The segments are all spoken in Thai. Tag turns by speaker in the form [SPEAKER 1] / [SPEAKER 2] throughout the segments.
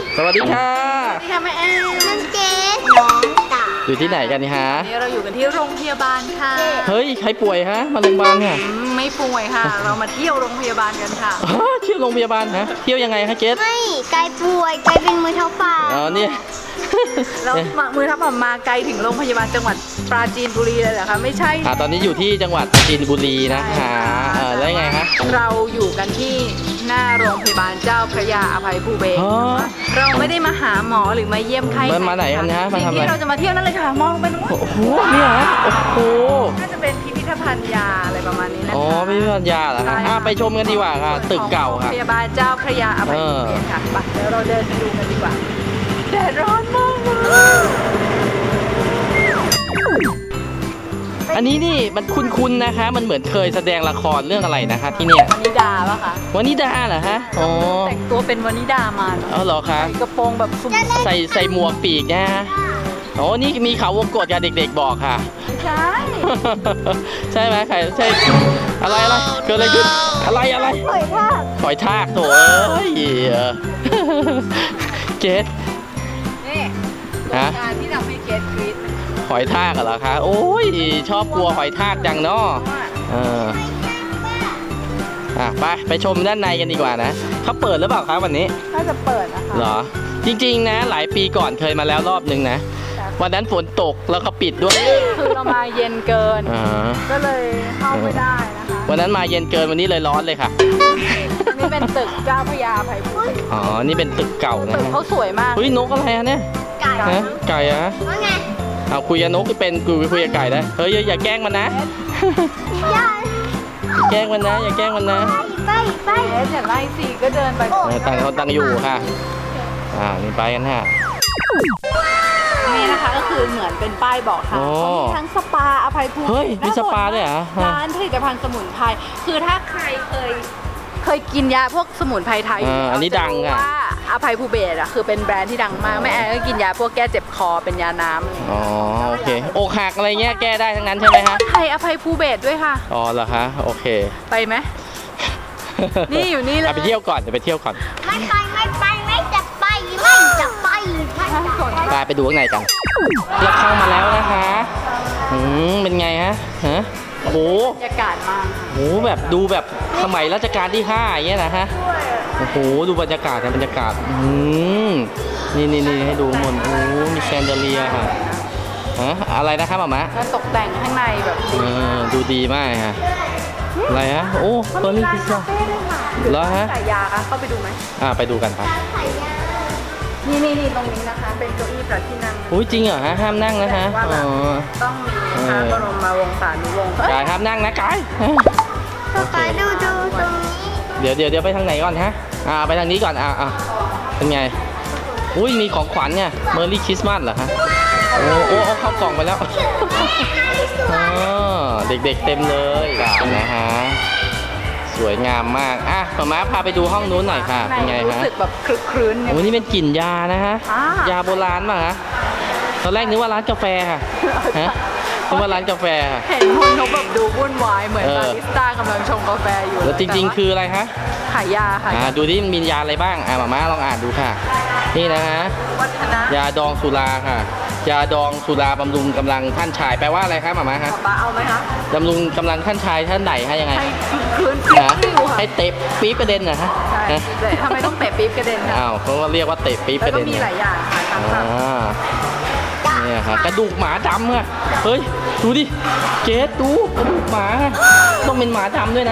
[SPEAKER 1] สวัสดีค่ะ
[SPEAKER 2] สวัสดีค่ะแม่แอนน้องเจสน้องตา
[SPEAKER 1] อยู่ที่ไหนกันฮะ
[SPEAKER 2] นี่เราอยู่กันที่โรงพยาบาลค่ะ
[SPEAKER 1] เฮ้ยใครป่วยฮะมาโรงพยาบาลค่ะ
[SPEAKER 2] ไม่ป่วยค่ะ เรามาเที่ยวโรงพยาบาลกันค่ะ
[SPEAKER 1] เที่ยวโรงพยาบาลฮะเที่ยวยังไงคะเกส
[SPEAKER 3] ไม่ไกลป่วยไกลเป็นมือเท้าปาก
[SPEAKER 1] อ๋อเนี่ย
[SPEAKER 2] เรามือทับมาไกลถึงโรงพยาบาลจังหวัดปราจีนบุรีเลยเหรอคะไม่ใช่
[SPEAKER 1] ตอนนี้อยู่ที่จังหวัดปราจีนบุรีนะคะแล้วยังไงคะ
[SPEAKER 2] เราอยู่กันที่หน้าโรงพยาบาลเจ้าพระยาอภัยภูเบศร
[SPEAKER 1] อ๋อ
[SPEAKER 2] เราไม่ได้มาหาหมอหรือมาเยี่ยมไข้
[SPEAKER 1] มาไหนกันฮะมาทำอะไร
[SPEAKER 2] ที่เราจะมาเที่ยวนั่นเลยค่ะมองไปนู้น
[SPEAKER 1] โอ้โหเนี่ยฮะโอ้โห
[SPEAKER 2] น่าจะเป็นพิพิธภัณฑ์ยาอะไรประมาณนี้นะคะ
[SPEAKER 1] อ๋อพิพิธภัณฑ์ยาเหรอฮะไปชมกันดีกว่าค่ะ ตึกเก่า
[SPEAKER 2] โรง
[SPEAKER 1] ค่ะ
[SPEAKER 2] พยาบาลเจ้าพระยาอภัยภูเบศรค่ะไปเดี๋ยวเราเดินไปดูกันดีกว่าแดดร้อนมากเลย
[SPEAKER 1] อันนี้นี่มันคุ้นๆนะคะ มันเหมือนเคยแสดงละครเรื่องอะไรนะคะที่เนี่ยว
[SPEAKER 2] นิดาปะคะ
[SPEAKER 1] วนิดาเหรอฮะอ๋อ
[SPEAKER 2] แต่งตัวเป็นวนิดามาเนอะ
[SPEAKER 1] เอาเหรอคะ
[SPEAKER 2] ใส่กระโปรงแบบซุ่ม
[SPEAKER 1] ใส่หมวกปีกนะฮะโอ้นี่มีเขาวงกตกับเด็กๆบอกค่ะ
[SPEAKER 2] ไม่ใช่
[SPEAKER 1] ใช่ไหมใครใช่อะไรเกิดอะไรขึ้นอะไร
[SPEAKER 3] ป่วยท่า
[SPEAKER 1] ปล่อยทากโถเอ้ยเกต
[SPEAKER 2] นี่
[SPEAKER 1] ฮะ
[SPEAKER 2] งานที่ทำให้เกตกรี๊ด
[SPEAKER 1] หอยทากเหรอคะโอ้ยชอบกลัวหอยทากจังเนาะเออไปชมด้านในกันดีกว่านะเขาเปิดหรือเปล่าครับวันนี้
[SPEAKER 2] น่าจะเปิดนะคะ
[SPEAKER 1] เหรอจริงๆนะหลายปีก่อนเคยมาแล้วรอบนึงนะวันนั้นฝนตกแล้วเขาปิดด้วย
[SPEAKER 2] คือเรามาเย็นเกิน
[SPEAKER 1] อ่า
[SPEAKER 2] ก็เลยเข้าไม่ได้นะคะ
[SPEAKER 1] วันนั้นมาเย็นเกินวันนี้เลยร้อนเลยค่ะ
[SPEAKER 2] นี่เป็นตึกเจ้าพระยาอภัยภูเบศร
[SPEAKER 1] อ๋อนี่เป็นตึกเก่านะ
[SPEAKER 2] ตึก
[SPEAKER 1] ฮะ
[SPEAKER 2] เขาสวยมาก
[SPEAKER 1] เฮ้ยนกอะไรฮะเนี่ย
[SPEAKER 3] ไก่
[SPEAKER 1] ฮะไก่อะ
[SPEAKER 3] ว่าไง
[SPEAKER 1] เอาคุยกับนกที่เป็นคุยกับไก่ได้เฮ้ยอย่าแกล้งมันนะ
[SPEAKER 3] ย่า
[SPEAKER 1] แกล้งมันนะอย่าแกล้งมันนะ
[SPEAKER 3] ไป
[SPEAKER 2] เกตอย่างไรสิก็เดินไป
[SPEAKER 1] ต่างคนต่างอยู่ค่ะนี่ไปกันฮะ
[SPEAKER 2] นี่นะคะก็คือเหมือนเป็นป้ายบอกทาง
[SPEAKER 1] โอ้
[SPEAKER 2] เขามีทั้งสปาอภัยภูมิ
[SPEAKER 1] เฮ้ยมีสปาด้วยเหรอ
[SPEAKER 2] ร้านผลิตภัณฑ์สมุนไพรคือถ้าใครเคยกินยาพวกสมุนไพรไทย
[SPEAKER 1] อันนี้ดัง
[SPEAKER 2] จะรู้
[SPEAKER 1] อ่ะ
[SPEAKER 2] ว่าอภัยภูเบศรอ่ะคือเป็นแบรนด์ที่ดังมากแม่แอนก็กินยาพวกแก้เจ็บคอเป็นยาน้ำ
[SPEAKER 1] อ๋อโอเคอกหักอะไรเงี้ยแก้ได้ทั้งนั้นใช่ไหมฮะ
[SPEAKER 2] ไทยอภัยภูเบศรด้วยค่ะ
[SPEAKER 1] อ๋อเหรอคะโอเค
[SPEAKER 2] ไปไหม นี่อยู่นี่เลย
[SPEAKER 1] ไปเที่ยวก่อนเดี๋ยวไปเที่ยวก่อน
[SPEAKER 3] ไม่จะไปไม่จะไป
[SPEAKER 1] ไปดูข้างในกันเราเข้ามาแล้วนะคะเป็นไงฮะโอ้โห
[SPEAKER 2] บรรยากาศมาก
[SPEAKER 1] โอ้โหแบบดูแบบสมัยรัชกาลที่5อย่างเงี้ยนะฮะโอ้โหดูบรรยากาศนะบรรยากาศนี่ให้ดูหมดโอ้มีแชนเดอเลียร์ค่ะอะไรนะครับหม่ามะ
[SPEAKER 2] แล้วตกแต่งข้างในแบบดี
[SPEAKER 1] ดูดีมากฮะอะไรฮะโอ้เฟอร์รี่พิซซ่าแล้วฮะ
[SPEAKER 2] ขายยาคะเข้าไปดูไหม
[SPEAKER 1] ไปดูกันไป
[SPEAKER 2] นี่ตรงนี้นะคะ เป็นเก้าอี้พระที่นั่ง
[SPEAKER 1] อุ้ยจริงเหรอฮะห้ามนั่งนะฮะ
[SPEAKER 2] ว่าแบบต้องมีพระบรมวงศานุวงศ์
[SPEAKER 1] กายห้ามนั่งนะกาย
[SPEAKER 3] ไปดูตรงนี้
[SPEAKER 1] เดี๋ยวไปทางไหนก่อนฮะไปทางนี้ก่อนเป็นไงอุ้ยมีของขวัญเนี่ยเมอร์รี่คริสต์มาสเหรอฮะโอ้เข้ากล่องไปแล้วเด็กๆเต็มเลยนะฮะสวยงามมากหม่าพาไปดูห้องนู้นหน่อยค่ะเป็นไง
[SPEAKER 2] รู้
[SPEAKER 1] ฮะ
[SPEAKER 2] สึกแบบคลึกครื้น
[SPEAKER 1] โอ้นี่เป็นกลิ่นยานะฮะ ยาโบราณป่ะฮะตอนแรกนึกว่าร้านกาแฟค่ะนึกว่าร้านกาแฟค่ะ
[SPEAKER 2] เห็นคนเขาแบบดูวุ่นวายเหมือน
[SPEAKER 1] เออ
[SPEAKER 2] บาริสต้ากำลังชงกาแฟอยู่
[SPEAKER 1] แล้วจริงๆคืออะไรฮะ
[SPEAKER 2] ขายยาค่ะ
[SPEAKER 1] ดูดิมันมียาอะไรบ้างหม่าลองอ่านดูค่ะ นี่นะฮะ
[SPEAKER 2] วัฒนะ
[SPEAKER 1] ยาดองสุราค่ะ ยาดองสุราบำรุงกำลังท่านชายแปลว่าอะไรครับหม่าฮะ
[SPEAKER 2] ป้าเอาไหมคะ
[SPEAKER 1] บำรุงกำลังท่านชายท่านไหนฮะยังไง
[SPEAKER 2] ให้คลึกครื้น
[SPEAKER 1] ฮะ
[SPEAKER 2] อยู่ค่ะ
[SPEAKER 1] ให้เตะปี๊บกระเด็นนะฮะ
[SPEAKER 2] ใช่เลยทำไมต้องเตะปี๊บกระเด็นคะ
[SPEAKER 1] อ้าวเขาก็เรียกว่าเตะปี๊บ
[SPEAKER 2] แล้
[SPEAKER 1] ก
[SPEAKER 2] ว
[SPEAKER 1] ระ
[SPEAKER 2] ก็
[SPEAKER 1] เด็น
[SPEAKER 2] มีหลายอย่างค่ะทั้งแบบ
[SPEAKER 1] เนี่ยฮะกระดูกหมาดำอะเฮ้ยดูดิเจสดูกระดูกหมาต้องเป็นหมาดำด้วยนะ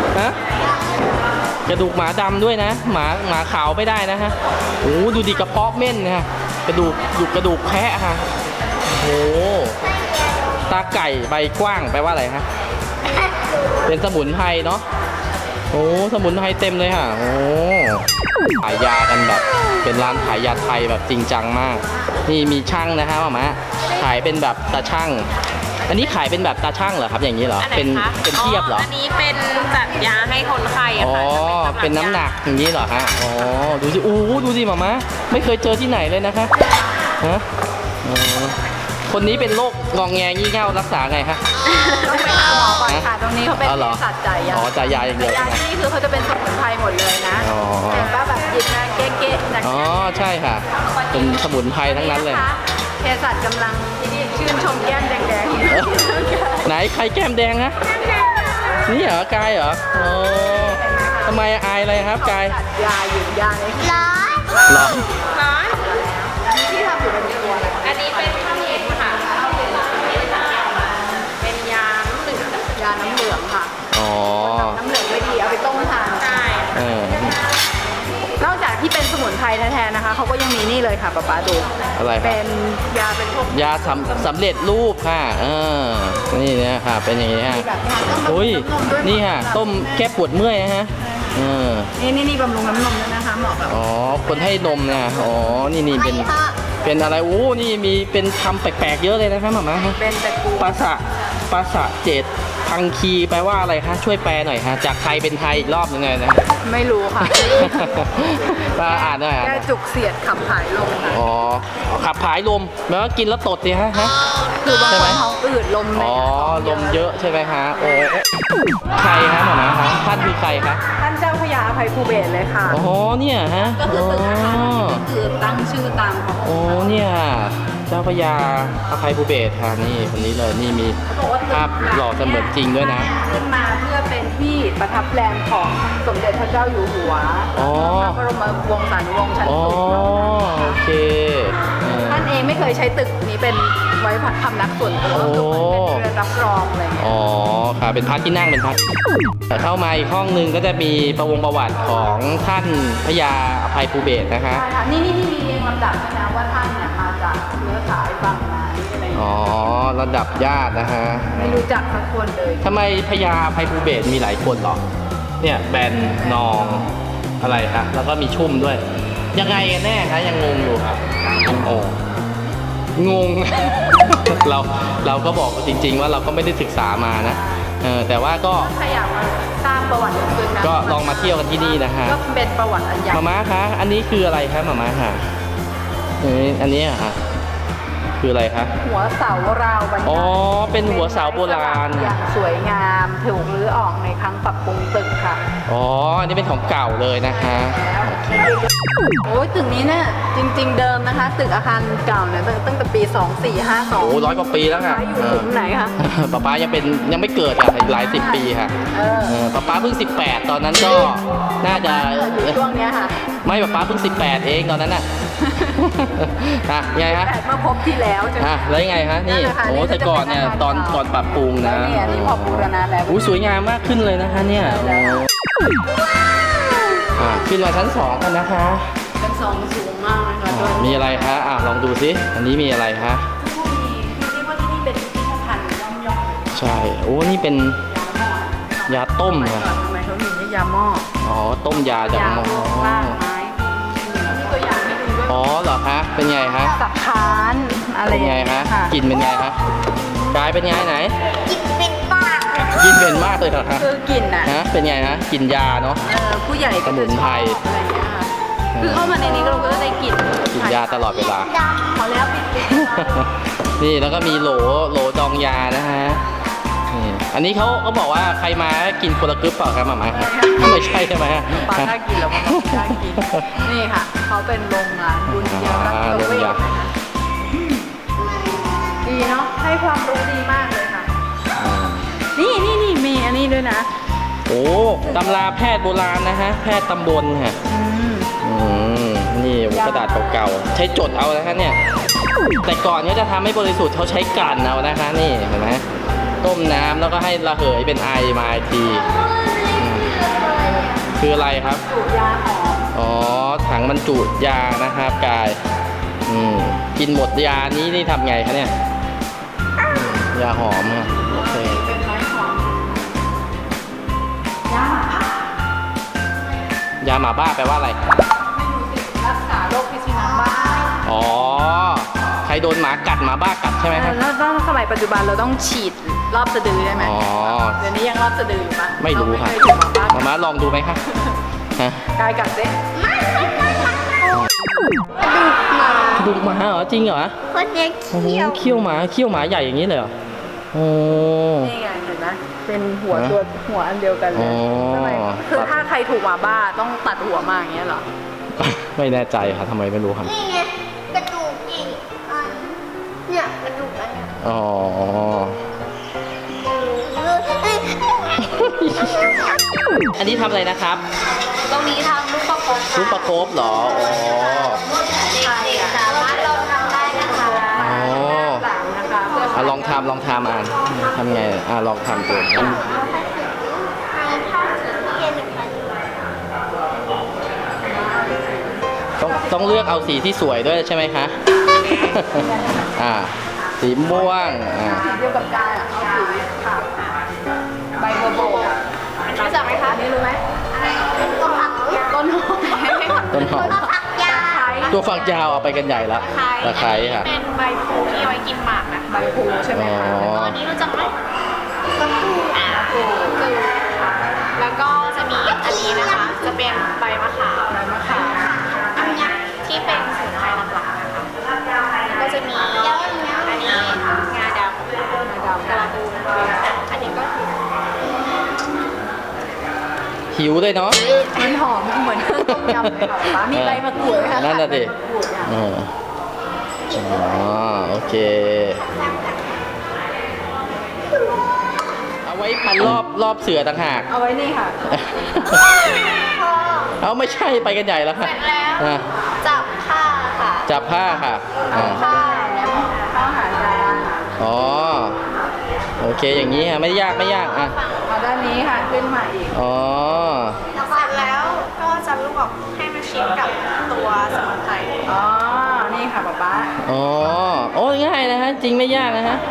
[SPEAKER 1] กระดูกหมาดำด้วยนะหมาขาวไม่ได้นะฮะโอ้ดูดิกระเพาะเม่นนะฮะกระดูกแพะฮะโอ้ตาไก่ใบกว้างแปลว่าอะไรฮะเป็นสมุนไพรเนาะโอ้สมุนไพรเต็มเลยค่ะโอ้ขายยากันแบบเป็นร้านขายยาไทยแบบจริงจังมากนี่มีช่างนะฮะหม่าขายเป็นแบบตาช่างอันนี้ขายเป็นแบบตาช่างเหรอครับอย่างนี้เหรอเป็นเทียบเหรอ
[SPEAKER 4] อันนี้เป็นแบบยาให้คนไข้อะ
[SPEAKER 1] อ๋อ
[SPEAKER 4] ค่ะจะ
[SPEAKER 1] เป็นน้ำหนักอย่างนี้เหรอฮะอ๋อดูสิดูสิหม่าไม่เคยเจอที่ไหนเลยนะคะฮะคนนี้เป็นโรคงองแงงี่เง่ารักษาไงฮะ
[SPEAKER 2] ต้องไปหาหมอก่อนค่ะ ตรงนี้เขาเป็น
[SPEAKER 1] อ๋อเหรอ
[SPEAKER 2] เภสัชจ่ายยา
[SPEAKER 1] อ๋อจ่ายยาอย่างเดียว
[SPEAKER 2] ยา
[SPEAKER 1] ใช่ไหม
[SPEAKER 2] ที่นี่คือเขาจะเป็นสมุนไพรหมดเลยนะ
[SPEAKER 1] อ๋อ
[SPEAKER 2] เห็นป่ะแบบหยิบมาเก๊ะๆจาก
[SPEAKER 1] อ๋อใช่ค่ะ เป็นสมุนไพรทั้งนั้นเลย
[SPEAKER 2] เภสัชกำลังชื่นชมแก้มแดง
[SPEAKER 1] เอ้ยไหนใครแก้มแดงนะนี่เหรอกายเหรอโอ้ทำไมอายอะไรครับกาย
[SPEAKER 2] จัดยาอยู่ยาใน
[SPEAKER 3] ร้อน
[SPEAKER 1] หรอ
[SPEAKER 4] ร้อน
[SPEAKER 2] ที่ทำอยู่เป็นตัวอะไร
[SPEAKER 4] อันนี้เป็นข้าวเย็นค่ะเป็นยาน้ำเหลือง
[SPEAKER 2] ยาน้ำเหลืองค่ะ
[SPEAKER 1] อ๋อ
[SPEAKER 2] น้ำเหลืองไม่ดีเอาไปต้มทาน
[SPEAKER 4] ใช่
[SPEAKER 1] เออน
[SPEAKER 2] อกจากที่เป็นสมุนไพรแท้ๆนะคะเขาก็ยังมีนี่เลยค่ะป๊าป๊าดู
[SPEAKER 1] อะไรครั
[SPEAKER 2] เป็
[SPEAKER 1] บ
[SPEAKER 2] นยาเป็นพวก
[SPEAKER 1] ยาสำเร็จรูปค่ะนี่นะค่ะเป็นอย่างนี้ฮะ
[SPEAKER 2] แบบนี้ค่ะต้ม
[SPEAKER 1] อุ้ย
[SPEAKER 2] นมด้วย
[SPEAKER 1] นี่ค่ะต้มแก้ปวดเมื่อยนะฮะเออ
[SPEAKER 2] นี่บำรุงน้ำนมด้วยนะคะเหมาะกับ
[SPEAKER 1] อ๋อคนให้นมนะอ๋อนี่เป็นอะไรโอ้นี่มีเป็นคำแปลกๆเยอะเลยนะครับหม่ามาฮะ
[SPEAKER 2] เป็นตระกูล
[SPEAKER 1] ภาษาเจตพังคีแปลว่าอะไรคะช่วยแปลหน่อยฮะจากไทยเป็นไทยอีกรอบหนึงเลยนะ
[SPEAKER 2] ไม่รู้ค่ะ
[SPEAKER 1] มาอ่านหน่อยอ่านห
[SPEAKER 2] แก้
[SPEAKER 1] น่อย
[SPEAKER 2] จุกเสียดขับถ่ายลมค่ะ
[SPEAKER 1] อ๋อขับผายลมแปลว่ากินแล้วตดดิฮะ
[SPEAKER 2] คือบาง
[SPEAKER 1] ใช่
[SPEAKER 2] ค
[SPEAKER 1] ไหม
[SPEAKER 2] นท้องอืดลมใน
[SPEAKER 1] อ๋อ
[SPEAKER 2] ท้อง
[SPEAKER 1] ลมเยอะใช่ไหมคะโอ้ใครคะหมอมาคะท่านคือใครคะ
[SPEAKER 2] ท่านเจ้าพระยาอภัยภูเบศรเลยค่ะ
[SPEAKER 1] อ๋อเนี่ยฮะ
[SPEAKER 2] ก็คือตึกอาคารนี้คือตั้งชื่อตามของ
[SPEAKER 1] โอ้เนี่ยเจ้าพระยาอภัยภูเบศรค่ะนี่คนนี้เลยนี่มีภาพหล่อเสมือนจริงด้วยนะ
[SPEAKER 2] ขึ้นมาเพื่อเป็นที่ประทับแรมของสมเด็จพระเจ้าอยู่หัว
[SPEAKER 1] อ๋อ
[SPEAKER 2] พระบรมวงศานุวงศ์ชั้น
[SPEAKER 1] อ๋อ
[SPEAKER 2] สูง
[SPEAKER 1] โอเคเออ
[SPEAKER 2] ท่านเองไม่เคยใช้ตึกนี้เป็นไว้พำนักส่วนตัว
[SPEAKER 1] โอ้
[SPEAKER 2] ก็คือเหมือนเป็นเรือนรับรองอะไรอย่างเงี้ย
[SPEAKER 1] อ๋อค่ะเป็นพระที่นั่งเป็นพระแต่เข้ามาอีกห้องหนึงก็จะมีประวัติของท่านพระยาอภัยภูเบศรนะคะ
[SPEAKER 2] ใช่ค่ะนี่มีเรียงลำดับด้วยนะว่าท่านเนี่ยมาจากเชื้อสายบางนาอะไรอย่าง
[SPEAKER 1] อ๋อ
[SPEAKER 2] เงี้ย
[SPEAKER 1] ระดับญาตินะฮะ
[SPEAKER 2] ไม่รู้จักสักคนเลย
[SPEAKER 1] ทำไมพญาอภัยภูเบศรมีหลายคนหรอเนี่ยแบนนองอะไรคะแล้วก็มีชุ่มด้วย ยังไงกันแน่คะยังงงอยู่ครับโอ้งง เราก็บอกจริง ๆ ว่าเราก็ไม่ได้ศึกษามานะแต่ว่าก็
[SPEAKER 2] ถ้าอยากมาสร้างประวัติลึกๆนะ
[SPEAKER 1] ก็ลองมาเที่ยวกันที่นี่นะฮะ
[SPEAKER 2] ก็เป็นประวัติอันยาว
[SPEAKER 1] มาม่าคะอันนี้คืออะไรคะมาม่าค่ะอันนี้อะค่ะคืออะไรคะ
[SPEAKER 2] หัวเสาราวบรรยาย
[SPEAKER 1] อ๋อเป็นหัวเสาโบราณ
[SPEAKER 2] อย่างสวยงามถูกรื้อออกในครั้งปรับปรุงตึกค่ะ
[SPEAKER 1] อ๋ออันนี้เป็นของเก่าเลยนะคะ
[SPEAKER 2] โอ้ยตึกนี้เนี่ยจริง ๆ เดิมนะคะ ตึกอาคารเก่าเนี่ยตั้งแต่ปี 2452
[SPEAKER 1] โอ้100 กว่าปีแล้วค่ะ
[SPEAKER 2] อยู่หลุมไหนคะ
[SPEAKER 1] ป๊าป๊ายังไม่เกิดค่ะอีกหลายสิบปีค่ะ
[SPEAKER 2] เออ
[SPEAKER 1] ป๊าป๊าเพิ่ง18ตอนนั้นก็น่าจะ
[SPEAKER 2] อยู่ช่วงเนี้ยค่ะ
[SPEAKER 1] ไม่ป๊าป๊าเพิ่ง18เองตอนนั้นน่ะ ไงฮะ
[SPEAKER 2] แต่เมื่อพบที่แล้วใช่ไหม
[SPEAKER 1] แล้วยังไงฮะนี่
[SPEAKER 2] นั่นแหละค่ะ
[SPEAKER 1] โอ้
[SPEAKER 2] นี่ก็
[SPEAKER 1] แต่ก่อนเนี่ย
[SPEAKER 2] จะเป็นอาคาร
[SPEAKER 1] ตอน
[SPEAKER 2] เก่า
[SPEAKER 1] ก่อนปรับปรุงนะ
[SPEAKER 2] แล้วเนี่ยนี่พอบูรณะแล้ว
[SPEAKER 1] อุ้ยสวยงามมากขึ้นเลยนะคะเนี่ยขึ้นมาชั้น 2 กันนะคะ
[SPEAKER 2] เป็นทรงสูงมากนะคะโดย
[SPEAKER 1] มีอะไรคะลองดูสิอันนี้มีอะไรคะ
[SPEAKER 2] มีเรียกว่าที่นี่เป็นพิพิธภัณฑ์ย่อมๆ
[SPEAKER 1] ใช่โอ้นี่เป็นยาต้ม
[SPEAKER 2] ทำไม
[SPEAKER 1] ค่ะ
[SPEAKER 2] ก่อนทำไมเขาถึงเรียกยาหม้อ
[SPEAKER 1] อ๋อต้มยาจาก
[SPEAKER 2] ยา
[SPEAKER 1] หม้อ
[SPEAKER 2] รากไม้มีตัวอย่างให้ดูด้วย
[SPEAKER 1] อ๋อเหรอคะเป็นไงฮะ
[SPEAKER 2] สับคานอะไร
[SPEAKER 1] เป็น
[SPEAKER 2] อย่าง
[SPEAKER 1] ไง
[SPEAKER 2] เงี้ย
[SPEAKER 1] ฮะ
[SPEAKER 2] ค่ะ
[SPEAKER 1] กลิ่นเป็นไงฮะกายเป็นไงไหน
[SPEAKER 3] กินเป็นปากเลย
[SPEAKER 1] กินเป็นมากเลยเหรอฮะ
[SPEAKER 2] คือกลิ่นอ่ะ
[SPEAKER 1] ฮะเป็นไงฮะกลิ่นยาเนาะ
[SPEAKER 2] ผู้ใหญ่ก็
[SPEAKER 1] สมุ
[SPEAKER 2] จะ
[SPEAKER 1] น
[SPEAKER 2] ช
[SPEAKER 1] ไพร
[SPEAKER 2] อบอะไรอย่างเงี้ยค่ะคือเข้ามาในนี้เราก็จะได้กลิ่น
[SPEAKER 1] กลิ่นยาตลอดเวลา
[SPEAKER 3] ด
[SPEAKER 2] พอแล้วปิด
[SPEAKER 1] นี่แล้วก็มีโหลดองยานะฮะนี่อันนี้เขาบอกว่าใครมากินคนละกึ๊บเปล่าครับหมาไม่ใช่ใช่ไหมฮะ
[SPEAKER 2] ปลาถ้ากินแล้วมันก็ไม่ได้กินนี่ค่ะเขาเป็นโรงงานบุญยารัตน์
[SPEAKER 1] โรง
[SPEAKER 2] เวช
[SPEAKER 1] ยา
[SPEAKER 2] นะคะดีเนาะให้ความรู้ดีมากเลยค่ะ นี่มีอันนี้ด้วยนะ
[SPEAKER 1] โอ้ตำราแพทย์โบราณนะฮะแพทย์ตำบลฮะ
[SPEAKER 2] อืม
[SPEAKER 1] นี่กระดาษเก่าๆใช้จดเอานะคะเนี่ยแต่ก่อนเนี่ยจะทำให้บริสุทธิ์เขาใช้กลั่นเอานะคะนี่เห็นไหมต้มน้ำแล้วก็ให้ระเหยเป็นไอมาอีกทีคืออะไรครับ
[SPEAKER 2] สูตรยาหอม
[SPEAKER 1] อ๋อถังบรรจุยานะครับกายกินหมดยานี้นี่ทำไงคะเนี่ยยาหอมค่ะโอเค
[SPEAKER 2] เป็นไม้หอมยาหมาย
[SPEAKER 1] าหมาบ้าแปลว่าอะไร
[SPEAKER 2] ไม่รู้สิรักษาโรคพิษสุนัขบ้า
[SPEAKER 1] อ๋อใครโดนหมากัดหมาบ้ากัดใช่ไหมครับ
[SPEAKER 2] แล้วต้องสมัยปัจจุบันเราต้องฉีดรอบสะดือได้ไหม
[SPEAKER 1] อ๋อ
[SPEAKER 2] เดี๋ยวนี้ยังรอบสะดืออยู่ปะ
[SPEAKER 1] ไม่รู้ค่ะ
[SPEAKER 2] เาไม่เคยถูกหมาบ้า
[SPEAKER 1] มาม่าลองดูไหมคะฮะ
[SPEAKER 2] กายกัดสิ
[SPEAKER 3] ำกระดูกหมา
[SPEAKER 1] ดดุหมาเหรอจริงเหรอ
[SPEAKER 3] คนเนี้ย
[SPEAKER 1] โอ้โห
[SPEAKER 3] เขี้ยว
[SPEAKER 1] เขี้ยวหมาใหญ่อย่างนี้เลยเหรอโอ้
[SPEAKER 2] นี่ไงเห็นไหมเป็นหัว
[SPEAKER 1] ฮะ
[SPEAKER 2] ตัวหัวอันเดียวกันเล
[SPEAKER 1] อ๋
[SPEAKER 2] ย
[SPEAKER 1] อ
[SPEAKER 2] ทำไมคือถ้าใครถูกหมาบ้าต้องตัดหัวมาอย่างเงี้ยเหรอ
[SPEAKER 1] ไม่แน่ใจค่ะทำไมไม่รู้ครับ
[SPEAKER 3] นี่ไงกระดูกอีกอันเนี่ยกระดูกอันเนี้ย
[SPEAKER 1] อ๋อ อันนี้ทำอะไรนะครับ
[SPEAKER 3] ตรงนี้ทำลูกประคบ
[SPEAKER 1] ซุปประคบเหรออ๋อ
[SPEAKER 3] เด็กๆสามารถลองทำได้นะคะ
[SPEAKER 1] อ๋อ
[SPEAKER 2] หลังนะคะเพื่อ
[SPEAKER 1] อ่ะลองทำอ่านทำไงลองทำดู
[SPEAKER 3] ให้ผ้าสีเย็นนะคะ
[SPEAKER 1] ต้องเลือกเอาสีที่สวยด้วยใช่ไหมคะ สีม่วง
[SPEAKER 2] สีเดียวกับกายอ่ะเอาสีขาวใบบัวโบกรู้จักไหมคะนี่รู้ไหม
[SPEAKER 3] ต้นผัก
[SPEAKER 2] ต้นหอม
[SPEAKER 1] ต้นหอม
[SPEAKER 3] ผักยา
[SPEAKER 1] ตัวฝักยาวเอาไปกันใหญ่แล้วตะไคร้ค่ะ
[SPEAKER 4] เป็นใบพลูที่เอาไว้กินหมากนะ
[SPEAKER 2] ใบพลูใช่ไหมคะ
[SPEAKER 1] อ๋อ
[SPEAKER 4] อันนี้รู้จักไหม
[SPEAKER 3] กระปู
[SPEAKER 4] แล้วก็จะมีอันนี้นะคะ จะเป็นใบมะขาม
[SPEAKER 2] ใบมะขาม
[SPEAKER 4] อันเนี้ยที่เป็นสมุนไพรหลักๆนะคะก็จะมีอันนี้งาดำกระปูอันนี้ก็คือ
[SPEAKER 1] หิวด้วยเนาะ
[SPEAKER 2] มันหอมเหมือนเครื่องต้มยำเลยค่ะป๊ามีใบมะกรูดไหมคะ
[SPEAKER 1] นั่นน่ะดิ
[SPEAKER 2] ใบมะกรูดอ่ะ
[SPEAKER 1] อ๋อโอเค เอาไว้พันรอบเสือต่างหาก
[SPEAKER 2] เอาไว้นี่ค่ะ
[SPEAKER 1] เอาไม่ใช่ไปกันใหญ่แล้วค่ะ
[SPEAKER 4] เสร็จแล้ว
[SPEAKER 1] อ่ะ
[SPEAKER 3] จับผ้าค่ะ
[SPEAKER 1] จับผ้าค่ะอ่ะ
[SPEAKER 3] ผ้า
[SPEAKER 2] ข้าวหาจาน
[SPEAKER 1] อ๋อโอเคอย่างนี้ค่ะไม่ยากอ่ะ
[SPEAKER 2] เอาด้านนี้ค่ะขึ้นมาอีก
[SPEAKER 1] อ๋อ
[SPEAKER 4] เสร็จแล้วก็จะลวกให้มันชิดกับตัวสมุนไพร
[SPEAKER 2] อ๋อ นี่ค่ะป๊าป๊า
[SPEAKER 1] อ๋อโอ้ง่ายนะฮะจริงไม่ยากนะฮะ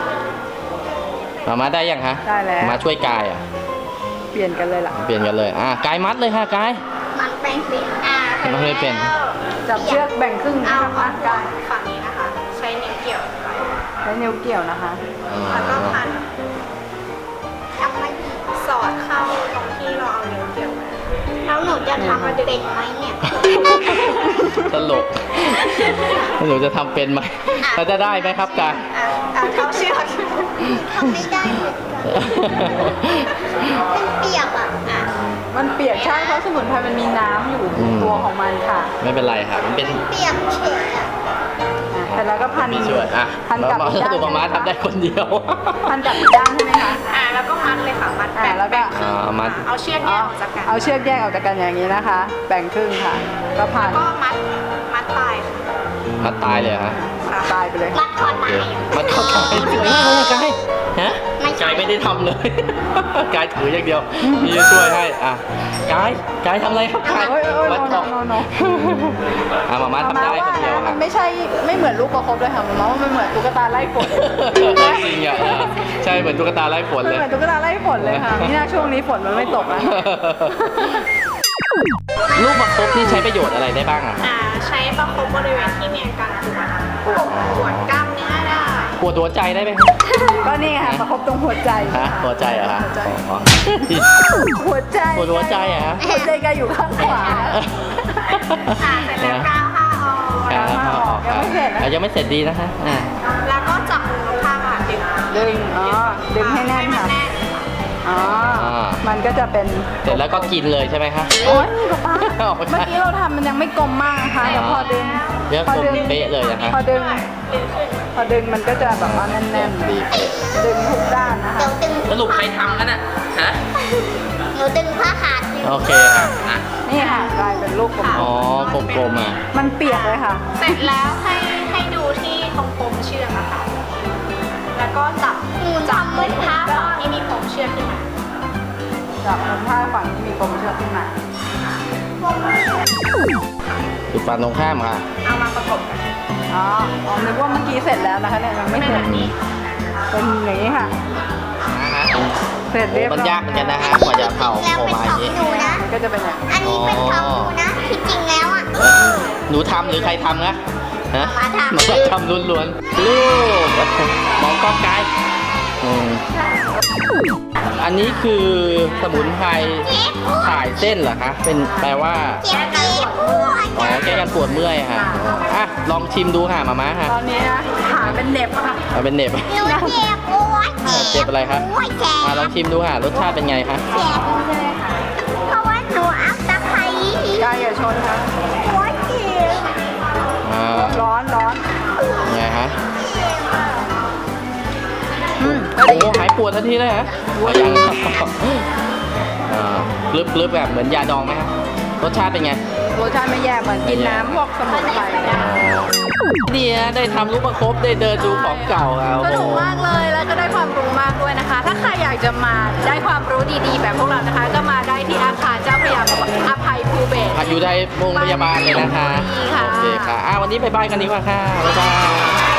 [SPEAKER 1] มาได้ยังคะ
[SPEAKER 2] ได้แล้ว
[SPEAKER 1] มาช่วยกาย
[SPEAKER 2] เปลี่ยนกันเลยล่ะ
[SPEAKER 1] เปลี่ยนกันเลยกายมัดเลยค่ะกาย
[SPEAKER 3] มันเป็นสี
[SPEAKER 1] มันไม่เป็น
[SPEAKER 2] จับเชือกแบ่งครึ่งนะ
[SPEAKER 4] เอา
[SPEAKER 2] คะ
[SPEAKER 4] ฝั่
[SPEAKER 2] พั
[SPEAKER 4] ง
[SPEAKER 2] นกัน
[SPEAKER 4] ฝั่งนี้นะคะ ใช้นิ้วเกี่ยวไป
[SPEAKER 2] ใช้นิ้วเกี่ยวนะคะ
[SPEAKER 4] แล้วก็พัน
[SPEAKER 3] ทำไม่ดี
[SPEAKER 4] สอดเข้าตรงที่เราเอานิ้วเกี่ยวไว้
[SPEAKER 3] แล้วหนูจะทำเป็นไหมเนี่ย
[SPEAKER 1] ตลกหนูจะทำเป็นไหมเราจะได้ไหมครับกาย
[SPEAKER 4] เท้าเชือก
[SPEAKER 3] ทำไม่ได้เหมือนกันเป็นเปียกอ่ะ
[SPEAKER 2] มันเปียกใช่เพราะสมุนไพรมันมีน้ำอยู่ในตัวของมันค่ะ
[SPEAKER 1] ไม่เป็นไรค่ะมันเป็น
[SPEAKER 3] เปียกเฉยอ่ะ
[SPEAKER 2] แต่แล้วก็พัน
[SPEAKER 1] มีช่วย
[SPEAKER 2] พันกับอีกด้าน
[SPEAKER 1] ตัวม้าทำได้คนเดียว
[SPEAKER 2] พันกับอีกด้านใช่ไหมคะ
[SPEAKER 4] แล้วก็มัดเลยค่ะมัด
[SPEAKER 2] แล้วก็
[SPEAKER 1] มัด
[SPEAKER 4] เอาเชือกแยกออกจากกัน
[SPEAKER 2] เอาเชือกแยกออกจากกันอย่างนี้นะคะ แบ่งครึ่งค่ะ ก็พัน
[SPEAKER 4] ก็มัดปลายค่ะ
[SPEAKER 1] มัดตายเลยเหรอฮะ
[SPEAKER 2] ตายไปเลย
[SPEAKER 3] มัดคอตาย
[SPEAKER 1] มัดเข้าตายสวยมากเลยกายฮะ
[SPEAKER 3] ไม่ใช่
[SPEAKER 1] กายไม่ได้ทำเลย กายถืออย่างเดียวพี่จะช่วยให้กายทำอะไรครับกาย
[SPEAKER 2] โอ้ยโอ้ย
[SPEAKER 1] มัด
[SPEAKER 2] โน
[SPEAKER 1] คอ
[SPEAKER 2] โนโน
[SPEAKER 1] มาม่าทำได้คนเดียว
[SPEAKER 2] มั
[SPEAKER 1] ค่ะ
[SPEAKER 2] นไม่เหมือนลูกประคบเลยค่ะมันว่ามันเหมือนตุ๊กตาไล่ฝน
[SPEAKER 1] จริงอ่ะใช่เหมือนตุ๊กตาไล่ฝน
[SPEAKER 2] มัน
[SPEAKER 1] เลย
[SPEAKER 2] เหมือนตุ๊กตาไล่ฝนเลยค่ะนี่น่าช่วงนี้ฝนมันไม่ตกนะ
[SPEAKER 1] ลูกประคบนี่ใช้ประโยชน์อะไรได้บ้างอ่ะ
[SPEAKER 4] ใช้ประคบบริเวณที่มีอาการปวดกล้ามเนื้อได้
[SPEAKER 1] ปวดหัวใจได้ไหมครับ
[SPEAKER 2] ก็นี่ค่ะประคบตรงหัวใจ
[SPEAKER 1] ฮะหัวใจเหรอฮะ
[SPEAKER 2] หัวใจ
[SPEAKER 1] อ๋อ
[SPEAKER 2] หัวใจ
[SPEAKER 1] ปวดหัวใจเหรอฮะ
[SPEAKER 2] หัวใจแกอยู่ข้างขวา
[SPEAKER 4] เสร็จแล้วก้าวผ้าออก
[SPEAKER 2] ยังไม่เสร็จนะ
[SPEAKER 1] ยังไม่เสร็จดีนะคะ
[SPEAKER 4] แล้วก็จับมือข้างอ่ะดึง
[SPEAKER 2] ดึงให้แน่นค่ะ
[SPEAKER 4] ให้มัแน่น
[SPEAKER 2] อ๋อมันก็จะเป็น
[SPEAKER 1] เสร็จแล้วก็กินเลยใช่ไหมคะ
[SPEAKER 2] โอ๊ยป๊า
[SPEAKER 1] ไม่ใช่
[SPEAKER 2] เมื่อกี้เราทำมันยังไม่กลมมากนะคะแต่พอดึง
[SPEAKER 1] เดี๋ยวกลมเป๊ะเลยนะคะ
[SPEAKER 2] พอดึง
[SPEAKER 4] ดึงขึ้น
[SPEAKER 2] พอดึงมันก็จะแบบว่าแน่นๆ
[SPEAKER 1] ดีเป๊ะ
[SPEAKER 2] ดึงทุกด้านนะคะ
[SPEAKER 3] เดี๋ยวดึง
[SPEAKER 1] สรุปใครทำกันอ่ะฮะ
[SPEAKER 3] หนูดึงผ้าขาดอยู่
[SPEAKER 1] โอเคค่ะอ่ะ
[SPEAKER 2] นี่ค่ะกลายเป็นลูกกลม
[SPEAKER 1] อ๋อกลมๆอ่ะ
[SPEAKER 2] ๆมันเปียกเลยค่ะ
[SPEAKER 4] เสร็จแล้วให้ดูที่ตรงปมเชือกอะค่ะ แล้วก็จับมือผ้าฝั่งที่มีปมเชือกขึ้นมา
[SPEAKER 2] จับมุมผ้าฝั่งที่มีกลมเชือกขึ้นมา
[SPEAKER 1] อยู่ฝั่งตรงข้ามค่ะ
[SPEAKER 4] เอามาประกบกัน
[SPEAKER 2] อ๋อนึกว่าเมื่อกี้เสร็จแล้วนะคะเนี่ยยังไม่เสร็จเป็นอย่างนี้ค่ะ เสร็จเรียบร้อย
[SPEAKER 1] มันยากเหมือนกันนะฮะกว่าจะเผา
[SPEAKER 3] แล้ว
[SPEAKER 1] โผล่
[SPEAKER 3] เป็น
[SPEAKER 1] มาอ
[SPEAKER 3] ขอย่าง
[SPEAKER 1] นี้
[SPEAKER 3] หนูนะ
[SPEAKER 2] มันก็จะเป็นอย่างนี้
[SPEAKER 3] อันนี้เป็นของหนูนะที่จริงแล้วอ่ะ
[SPEAKER 1] หนูทำหรือใครทำนะฮะ
[SPEAKER 3] หมาทำ
[SPEAKER 1] หนูทำล้วนๆลูกมองกล้องไกลอืมอันนี้คือสมุนไพรถ่ายเส้นเหรอคะเป็นแปลว่า
[SPEAKER 3] เจ็บปวด
[SPEAKER 1] อ๋อแก้การปวดเมื่อยค่ะอ่ะลองชิมดูค่ะมาม่าค่ะ
[SPEAKER 2] ตอนนี้นะขาเป็นเหน็บค่ะ
[SPEAKER 1] เอาเป็นเหน็บ
[SPEAKER 3] หนูเจ็บปวด
[SPEAKER 1] เจ็บอะไรคะ
[SPEAKER 3] ปวดแข
[SPEAKER 1] อ่ะ
[SPEAKER 3] น
[SPEAKER 1] ลองชิมดูค่ะรสชาติเป็นไงคะ
[SPEAKER 3] เจ็บเพราะว่าหนูเอาตะไคร้
[SPEAKER 2] ใกล้อย่าชนค่ะ
[SPEAKER 3] ปวดเจ็บ
[SPEAKER 1] อ่า
[SPEAKER 2] ร้อนร้อน
[SPEAKER 1] ไงฮะ
[SPEAKER 2] อืม
[SPEAKER 1] โอ้โหหายปวดทันทีเลยฮะว่ายังกลึบแบบเหมือนยาดองไหมฮะรสชาติเป็นไง
[SPEAKER 2] รสชาติไม่แย่เหมือนกินน้ำพวกสมุนไพร
[SPEAKER 1] ดีนะได้ทำลูกประคบได้เดินดูของเก่าอ่ะ
[SPEAKER 2] ส
[SPEAKER 1] โอ้
[SPEAKER 2] นุก
[SPEAKER 1] โห
[SPEAKER 2] มากเลยแล้วก็ได้ความรู้มากด้วยนะคะ ถ้าใครอยากจะมาได้ความรู้ดีๆ แบบพวกเรานะคะ ก็มาได้ที่อาคารเจ้าพระยาอภัยภูเบศร
[SPEAKER 1] อยู่ในโรงพยาบาลเลยนะคะ
[SPEAKER 2] ดีค่ะ
[SPEAKER 1] โอเคค่ะวันนี้บายบายกันดีกว่าค่ะบ๊ายบาย